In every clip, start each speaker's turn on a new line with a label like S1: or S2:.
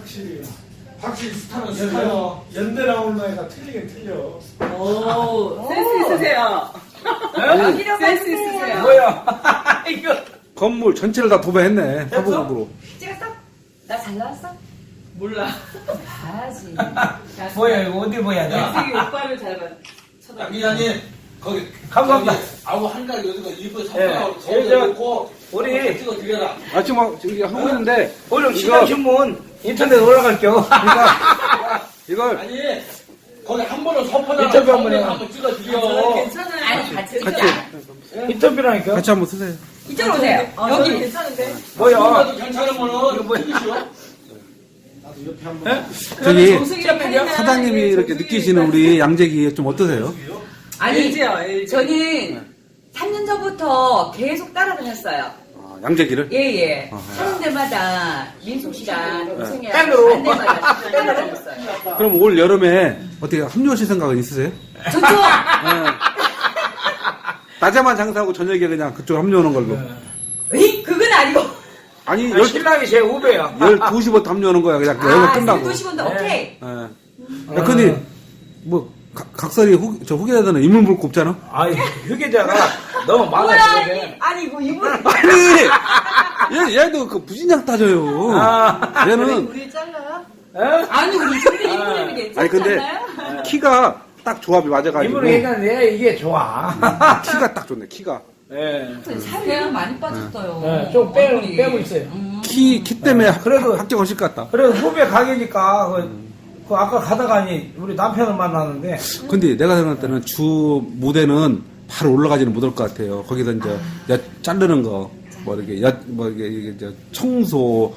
S1: 확실히 스타는 스타요. 연대 나오는 애가 틀리긴 틀려.
S2: 오, 센스 있으세요. 센스 있으세요.
S3: 뭐야? 이거
S4: 건물 전체를 다 도배했네. 사보각으로.
S5: 찍었어? 나 잘 나왔어?
S2: 몰라.
S5: 봐야지.
S3: 뭐야 이거 어디 보야 돼?
S2: 되게 오빠를 잘 봐. 쳐다.
S1: 기자님 거기
S3: 감사합니다.
S1: 아우 한달 여기가 일부
S3: 예.
S1: 선물하고
S3: 우리
S1: 찍어 드려라.
S4: 아, 지금 막 저기 하고 있는데.
S3: 오늘 시간신문 인터넷 올라갈게요.
S4: 이걸
S1: 아니 거기 한 번은 서퍼잖아.
S3: 인터뷰 한번 해요.
S1: 한번 찍어 드려.
S2: 괜찮아요.
S5: 아니, 같이.
S3: 인터뷰라니까.
S4: 같이 한번 쓰세요.
S5: 이쪽으로 오세요.
S2: 여기 괜찮은데?
S3: 뭐야?
S1: 나도 괜찮으면은
S3: 이거 뭐야?
S4: 저기
S2: 정승이랑 팬이야.
S4: 사장님이 이렇게 느끼시는 우리 양재기 좀 어떠세요?
S5: 아니,
S2: LG요, LG.
S5: 저는 3년 전부터 계속 따라다녔어요.
S4: 아, 양재기를?
S5: 예.
S4: 아,
S5: 하는 데마다 민숙 씨랑 동생이랑
S3: 팬으로.
S5: 간 데마다 따라다녔어요.
S4: 그럼 올 여름에 어떻게 합류하실 생각은 있으세요?
S5: 좋죠?
S4: 낮에만 장사하고 저녁에 그냥 그쪽 합류하는 걸로.
S5: 에이, 그건 아니고.
S4: 아니,
S3: 신랑이 제 후배야.
S4: 12시부터 합류하는 거야. 그냥 여기가 끝나고.
S5: 12시부터 오케이.
S4: 예. 야, 근데, 뭐, 각설이 후계자들은 인물 볼 거 없잖아?
S3: 아이 휴게자가 너무 많아
S5: 뭐야,
S3: 지금.
S5: 아니, 뭐, 이분.
S4: 아니! 얘도 그 부진장 따져요.
S3: 아.
S4: 얘는,
S5: 우리 잘라요?
S3: 어?
S5: 아니, 우리 준비 인물이 괜찮지
S4: 아니, 근데,
S5: 않나요?
S4: 키가 딱 조합이 맞아가지고.
S3: 이분은 얘기하는데 이게 좋아.
S4: 키가 딱 좋네, 키가.
S3: 예.
S5: 살이 많이 빠졌어요.
S3: 예, 좀 빼고 있어요.
S4: 키 때문에
S3: 그래도-
S4: 합격하실 것 같다.
S3: 그래서 후배 가게니까 그 아까 가다가니 우리 남편을 만났는데
S4: 근데 내가 생각할 때는 주 무대는 바로 올라가지는 못할 것 같아요. 거기서 이제 자르는 거, 뭐 이렇게 이게 이제 청소,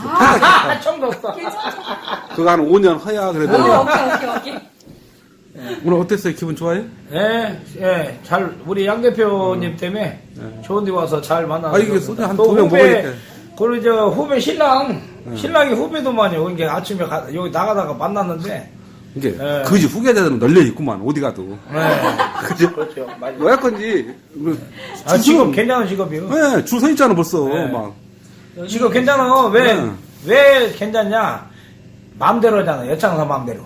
S3: 처음 뒀어.
S4: 그거 한 5년 허야 그래도.
S5: 오케이.
S4: 오늘 어땠어요? 기분 좋아요?
S3: 예, 잘 우리 양 대표님 때문에 좋은데 와서 잘 만나서.
S4: 아, 이게 소주 한 2병 먹으니까.
S3: 그리고 저 후배 신랑이 후배도만요. 이게 아침에 여기 나가다가 만났는데.
S4: 이게
S3: 예.
S4: 그지 후계자들은 널려 있구만 어디 가도.
S3: 예.
S4: 그죠?
S3: 그렇죠. 맞아요.
S4: 뭐야 건지.
S3: 아, 직업 괜찮은 직업이요.
S4: 네, 줄 서 있잖아 벌써.
S3: 네.
S4: 막.
S3: 직업 괜찮아.
S4: 네.
S3: 왜 괜찮냐? 마음대로잖아. 여창사 마음대로.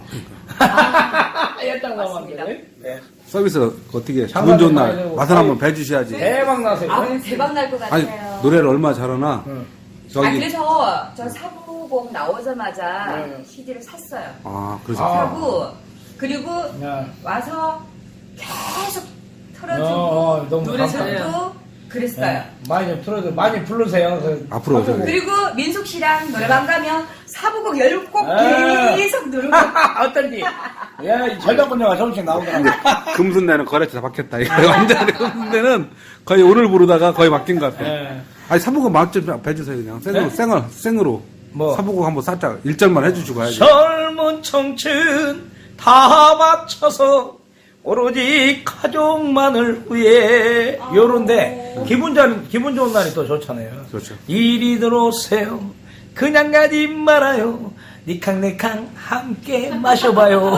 S3: 여창사
S5: 맞습니다.
S3: 마음대로. 네.
S4: 서비스 어떻게
S3: 장사도
S4: 기분 좋은
S3: 많이
S4: 날
S3: 되고.
S4: 맛을 한번 배주셔야지.
S3: 대박 나세요.
S5: 아, 오늘 대박 날 것
S4: 아니
S5: 같아요.
S4: 노래를 얼마나 잘하나. 저기
S5: 그래서 저 사부곡 나오자마자
S3: 네.
S5: CD를 샀어요.
S4: 그래서
S3: 아.
S5: 사고, 그리고
S3: 야.
S5: 와서 계속
S3: 너무
S5: 틀어주고, 노래
S2: 잘해요.
S5: 듣고, 그랬어요.
S3: 네. 많이 좀 틀어줘. 많이 부르세요.
S4: 앞으로 오세요.
S5: 그리고 민숙 씨랑 노래방 가면 사부곡 10곡
S3: 네.
S5: 계속 누르고.
S3: 어떤지. 야, 절단분야가 조금씩 나오더라고.
S4: 금순대는 거래처에서 바뀌었다. 이거 완전히 금순대는 거의 오늘 부르다가 거의 바뀐 것 같아.
S3: 예.
S4: 아니 사부곡 맛좀 배주세요 그냥 생으로
S3: 뭐?
S4: 사부곡 한번 살짝 1절만 해주시고 가야지.
S3: 젊은 청춘 다 바쳐서 오로지 가족만을 위해 요런데 기분 좋은 날이 또 좋잖아요.
S4: 그렇죠.
S3: 이리 들어오세요. 그냥 가지 말아요. 니캉니캉 함께 마셔봐요.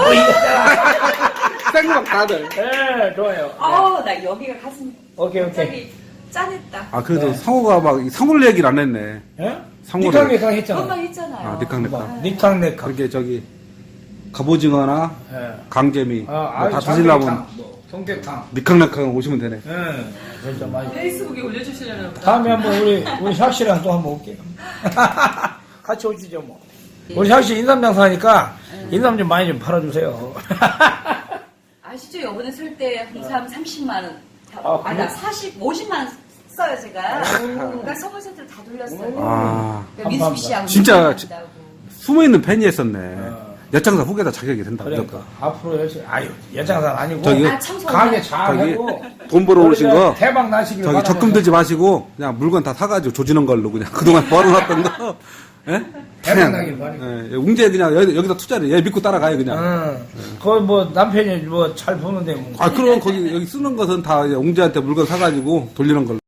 S4: 생각 다들.
S3: 네, 좋아요.
S5: 나 여기가 가슴
S3: 오케이.
S5: 갑자기 짠했다.
S4: 아 그래도
S3: 네.
S4: 상호가 막 상호를 얘기를 안 했네.
S3: 예?
S4: 상호를.
S3: 니캉니캉 했잖아.
S5: 그것만 했잖아요.
S4: 니캉니캉.
S3: 니캉니캉.
S4: 그렇게 저기 갑오징어나
S3: 예.
S4: 강재미
S3: 아,
S4: 다 드시려면
S3: 뭐, 동태탕.
S4: 니캉니캉 오시면 되네.
S3: 예, 진짜 맛있어.
S2: 페이스북에 올려주시려나 보다.
S3: 다음에 한번 우리 샥씨랑 또 한번 올게요. 같이 오시죠 뭐. 우리 샥씨 인삼장사 하니까 인삼 좀 많이 좀 팔아주세요.
S5: 아시죠? 이번에 설 때 항상 30만 원.
S3: 아,
S5: 나 50만 원 써요, 제가. 그러니까 선물 세트를 다 돌렸어요.
S4: 아
S5: 그러니까 민숙 씨하고.
S4: 진짜
S5: 인사한다고.
S4: 숨어있는 팬이 했었네. 여장사 후계자 자격이 된다
S3: 그러니까
S4: 무조건.
S3: 앞으로 열심히 여장사 아니고
S4: 저기-
S3: 가게 잘하고
S4: 저기 돈 벌어 오신 거
S3: 대박 나시길
S4: 저기
S3: 바라면서.
S4: 적금 들지 마시고 그냥 물건 다 사가지고 조지는 걸로 그냥 그동안 벌어놨던 거. 예?
S3: 대박 나길 바라고.
S4: 예, 웅재 그냥 여기다 투자를 얘 믿고 따라가요 그냥.
S3: 거기 뭐 남편이 뭐 잘 보는데 뭐.
S4: 아 그럼 거기 여기 쓰는 것은 다 웅재한테 물건 사가지고 돌리는 걸로.